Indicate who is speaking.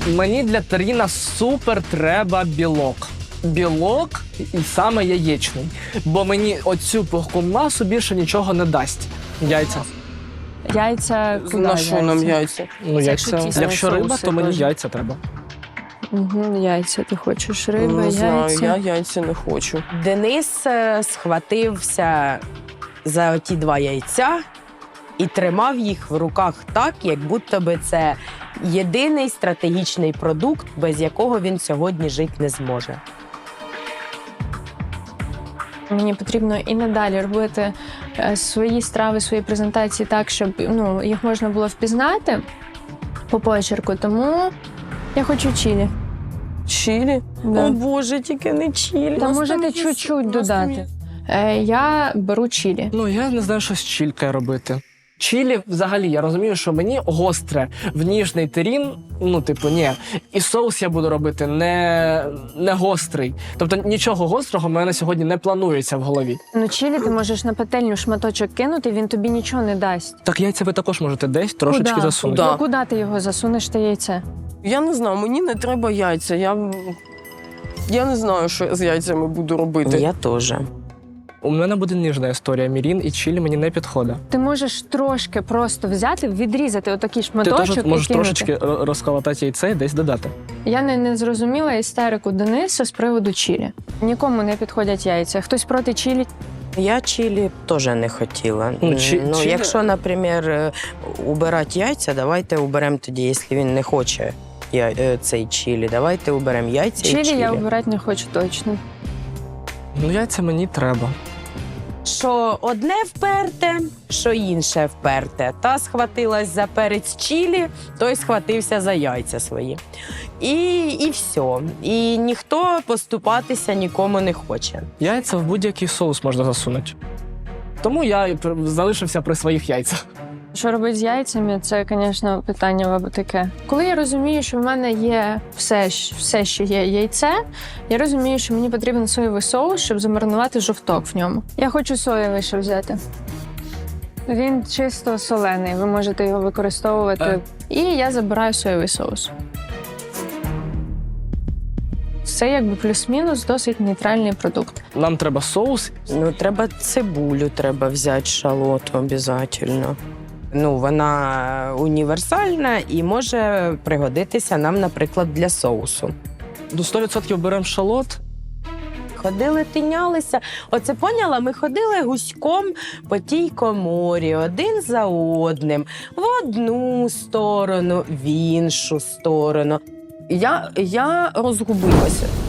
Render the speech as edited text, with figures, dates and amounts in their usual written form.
Speaker 1: Мені для таріна супер треба білок. Білок і саме яєчний. Бо мені оцю пухку масу більше нічого не дасть. Яйця.
Speaker 2: Яйця куди?
Speaker 3: На що нам яйця?
Speaker 1: Ну,
Speaker 2: Це
Speaker 1: яйця.
Speaker 2: якщо
Speaker 1: Якщо риба,
Speaker 2: соуси
Speaker 1: то мені
Speaker 2: теж.
Speaker 1: яйця треба.
Speaker 2: Угу, яйця ти хочеш. Риба,
Speaker 3: Не знаю,
Speaker 2: яйця.
Speaker 3: я яйця не хочу.
Speaker 4: Денис схватився за оті 2 яйця і тримав їх в руках так, як будто би це єдиний стратегічний продукт, без якого він сьогодні жити не зможе.
Speaker 2: Мені потрібно і надалі робити свої страви, свої презентації так, щоб їх можна було впізнати по почерку. Тому я хочу чилі.
Speaker 3: Чилі?
Speaker 2: Да.
Speaker 3: О Боже, тільки не чилі.
Speaker 2: Та
Speaker 3: Нас
Speaker 2: можете
Speaker 3: там є-
Speaker 2: чуть-чуть
Speaker 3: нас там
Speaker 2: додати.
Speaker 3: є-
Speaker 2: Я беру чилі.
Speaker 1: Ну, я не знаю, що з чількою робити. Чілі, взагалі, я розумію, що мені гостре в ніжний терін, ні. І соус я буду робити не гострий. Тобто нічого гострого в мене сьогодні не планується в голові.
Speaker 2: Чилі ти можеш на пательню шматочок кинути, він тобі нічого не дасть.
Speaker 1: Так яйця ви також можете десь трошечки
Speaker 2: Куда?
Speaker 1: засунути.
Speaker 3: Да.
Speaker 2: Ну, куди ти його засунеш, те яйце?
Speaker 3: Я не знаю, мені не треба яйця. Я не знаю, що я з яйцями буду робити.
Speaker 4: Я теж.
Speaker 1: У мене буде ніжна історія. Мірін і чілі мені не підходить.
Speaker 2: Ти можеш трошки просто взяти, відрізати отакий
Speaker 1: Ти
Speaker 2: шматочок
Speaker 1: теж
Speaker 2: і
Speaker 1: можеш
Speaker 2: кинути.
Speaker 1: трошечки розколотати яйце і десь додати.
Speaker 2: Я не зрозуміла істерику Дениса з приводу чилі. Нікому не підходять яйця. Хтось проти чилі.
Speaker 4: Я чилі теж не хотіла.
Speaker 1: Чилі-
Speaker 4: Якщо, наприклад, убирати яйця, давайте уберемо тоді, якщо він не хоче цей чилі, давайте уберемо яйця і
Speaker 2: Чилі
Speaker 4: чилі.
Speaker 2: я обирати не хочу точно.
Speaker 1: Ну, яйця мені треба.
Speaker 4: Що одне вперте, що інше вперте. Та схватилась за перець чилі, той схватився за яйця свої. І все. І ніхто поступатися нікому не хоче.
Speaker 1: Яйця в будь-який соус можна засунути. Тому я і залишився при своїх яйцях.
Speaker 2: Що робити з яйцями, це, звісно, питання таке. Коли я розумію, що в мене є все, що є яйце, я розумію, що мені потрібен соєвий соус, щоб замаринувати жовток в ньому. Я хочу соєвий ще взяти. Він чисто солений, ви можете його використовувати. І я забираю соєвий соус. Це якби плюс-мінус досить нейтральний продукт.
Speaker 1: Нам треба соус.
Speaker 4: Треба цибулю, треба взяти шалоту обов'язково. Вона універсальна і може пригодитися нам, наприклад, для соусу.
Speaker 1: До 100% беремо шалот.
Speaker 4: Ходили, тинялися. Оце поняла? Ми ходили гуськом по тій коморі, один за одним, в одну сторону, в іншу сторону.
Speaker 3: Я розгубилася.